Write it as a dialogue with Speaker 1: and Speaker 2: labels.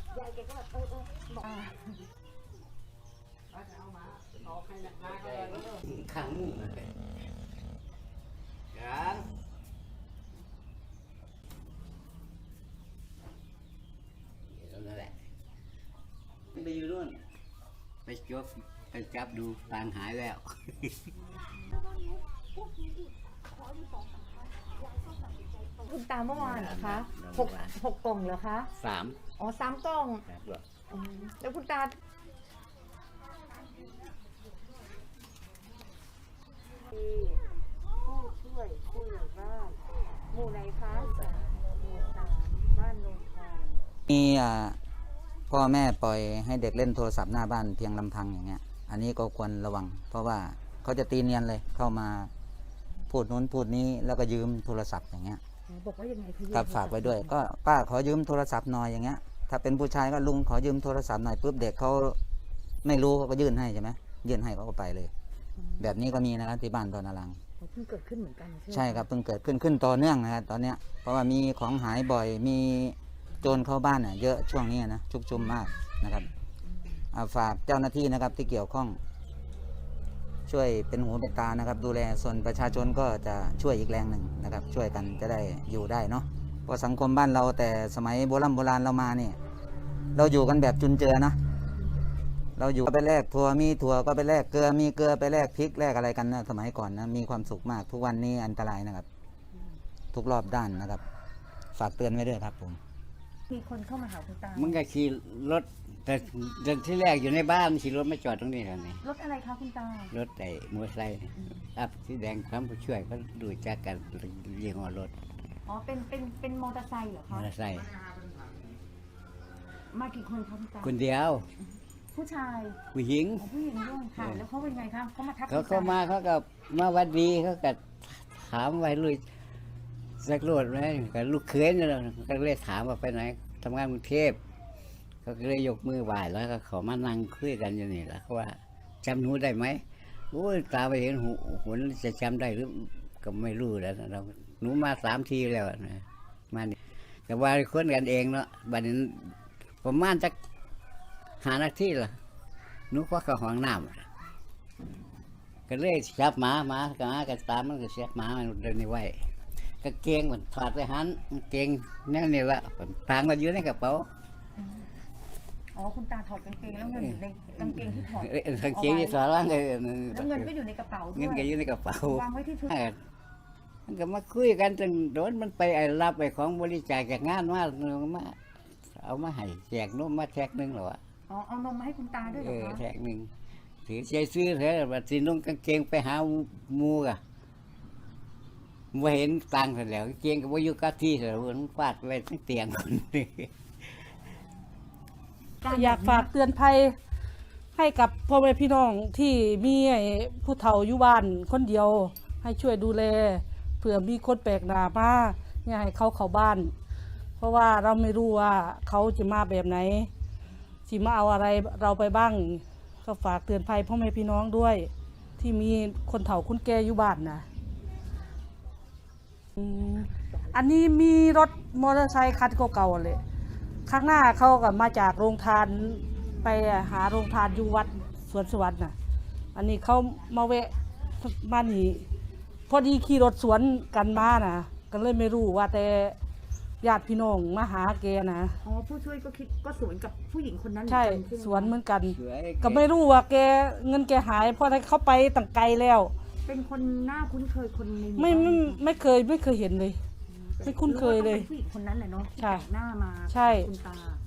Speaker 1: ยายแกก็แบบบอก
Speaker 2: ขังยังนั่นแหละไปอยู่นู่นไปจับดูปางหายแล้ว
Speaker 1: คุณตาเมื่อวานเหรอคะหกกล่องเหรอคะ
Speaker 2: 3
Speaker 1: อ๋อ3 กล่องแล้วคุณตาผู้ช่วยผู้ใหญ่บ้านหมู่ไหนคะหมู่3บ้านโนนทอง
Speaker 3: มีพ่อแม่ปล่อยให้เด็กเล่นโทรศัพท์หน้าบ้านเพียงลำพังอย่างเงี้ยอันนี้ก็ควรระวังเพราะว่าเขาจะตีเนียนเลยเข้ามาพูดนู้นพูดนี้แล้วก็ยืมโทรศัพท์อย่างเงี้ย
Speaker 1: บอกว่ายังไงพี่
Speaker 3: ครับฝากไว้ด้วยก็ป้าขอยืมโทรศัพท์หน่อยอย่างเงี้ยถ้าเป็นผู้ชายก็ลุงขอยืมโทรศัพท์หน่อยปุ๊บเด็กเขาไม่รู้เขาก็ยื่นให้ใช่ไหมยื่นให้เขาก็ไปเลยแบบนี้ก็มีนะครับที่บ้านตอนนารัง
Speaker 1: เพิ่งเกิดขึ้นเหมือนกัน
Speaker 3: ใช่ครับเพิ่งเกิดขึ้นต่อเนื่องนะครับตอนเนี้ยเพราะว่ามีของหายบ่อยมีโจรเข้าบ้านเยอะช่วงนี้นะชุกชุมมากนะครับฝากเจ้าหน้าที่นะครับที่เกี่ยวข้องช่วยเป็นหูเป็นตานะครับดูแลส่วนประชาชนก็จะช่วยอีกแรงหนึ่งนะครับช่วยกันจะได้อยู่ได้เนาะเพราะสังคมบ้านเราแต่สมัยโบราณเรามาเนี่ยเราอยู่กันแบบจุนเจือนะเราอยู่ไปแลกถั่วมีถั่วก็ไปแลกเกลือมีเกลือไปแลกพริกแลกอะไรกันนะสมัยก่อนนะมีความสุขมากทุกวันนี้อันตรายนะครับทุกรอบด้านนะครับฝากเตือนไว้ด้วยครับผม
Speaker 1: มีคนเข้ามาหาคุณตา
Speaker 2: มึงก็ขี่รถแต่ที่แรกอยู่ในบ้านขี่รถมาจอดตรงนี้แล้วนี่
Speaker 1: รถอะไรคะคุณตาร
Speaker 2: ถไอ้มอเตอร์ไซค์อัพสีแดงคำผู้ช่วยก็ดูจักกันยี่ห้อรถ
Speaker 1: อ๋อเป็นมอเตอร์ไซค์เหรอ
Speaker 2: มอ
Speaker 1: คะ
Speaker 2: เตอร์ไซค์
Speaker 1: มากี่คนคะคุณตา
Speaker 2: คนเดียว
Speaker 1: ผู้ชาย
Speaker 2: ผู้หญิง
Speaker 1: ผู้หญิงด้วยค่ะแล้วเขาเป็นไงคะเขามาทัก
Speaker 2: เขาเข้ามาเขาก็มาวัดดีเขาก็ถามไว้ลุยสักรถไหมกับลูกเขยนี่แหละก็เลยถามว่าไปไหนทำงานกรุงเทพเขาก็เลยยกมือไหว้แล้วก็ขอมานั่งคุยกันอย่างนี้แหละเขาว่าจำหนูได้ไหมโอ้ยตาไปเห็นหุ่นจะจำได้หรือก็ไม่รู้แล้วเราหนูมา3 ทีแล้วนะมานี่แต่ว่าคนกันเองเนาะบัดนี้ประมาณจะ5 นาทีละหนูก็เข้าห้องน้ำก็เลยจับหมาก็ตามมันก็เสียหมามันเดินในไว้ก็เกงมันถอดไปหันเกงนั่นนี่ละทางมันอยู่ในกระเป๋า
Speaker 1: อ๋อคุณตาถอดกางเกงแล้วเงินอยู่ในกางเกงที่ถอด
Speaker 2: กางเกงที่ถอดแล้ว
Speaker 1: แล้วเงินก็อยู่ในกระเป๋าด้วย
Speaker 2: เงินก็อยู่ในกระเป๋าว
Speaker 1: างไว้ที่ชุด
Speaker 2: มันก็มาคุยกันจนโดนมันไปรับไปของบริจาคจากงานมาเอามาให้แจกนมมาแท็กนึงหรอ
Speaker 1: อ๋อเอานมมาให้คุณตาด้วยเหรอคะ
Speaker 2: แท็กนึงถือใจซื้อเถอะว่าสินุ่งกางเกงไปหามูกะไม่เห็นตังค์เสร็จแล้วเกงก็ว่าอยู่กับที่เสร็จแล้วมันฟาดไปทั้งเตียงคนนี้
Speaker 4: อยากฝากเตือนภัยให้กับพ่อแม่พี่น้องที่มีผู้เฒ่าอยู่บ้านคนเดียวให้ช่วยดูแลเผื่อมีคนแปลกหน้ามาอย่าให้เขาเข้าบ้านเพราะว่าเราไม่รู้ว่าเขาจะมาแบบไหนสิมาเอาอะไรเราไปบ้างก็ฝากเตือนภัยพ่อแม่พี่น้องด้วยที่มีคนเฒ่าคนแก่อยู่บ้านนะอันนี้มีรถมอเตอร์ไซค์คันเก่าๆเลยข้างหน้าเขาก็มาจากโรงทานไปหาโรงทานอยู่วัดสวนสวรรค์น่ะอันนี้เขามาแวะมานี่พอดีขี่รถสวนกันมาน่ะก็เลยไม่รู้ว่าแต่ญาติพี่น้องมาหาแกนะ
Speaker 1: อ๋อผู้ช่วยก็คิดก็สวนกับผู้หญิงคนนั้น
Speaker 4: ใช่สวนเหมือนกันก็ไม่รู้ว่าแกเงินแกหายเพราะเขาไปตั้งไกลแล้ว
Speaker 1: เป็นคนหน้าคุ้นเคยคนใน
Speaker 4: ไม่เคยเห็นเลยไม่คุ้นเคยเลย
Speaker 1: ผู้หญิงคนนั้นแหละเนาะ
Speaker 4: ใช่
Speaker 1: หน้ามา
Speaker 4: ใช่
Speaker 1: คุณตา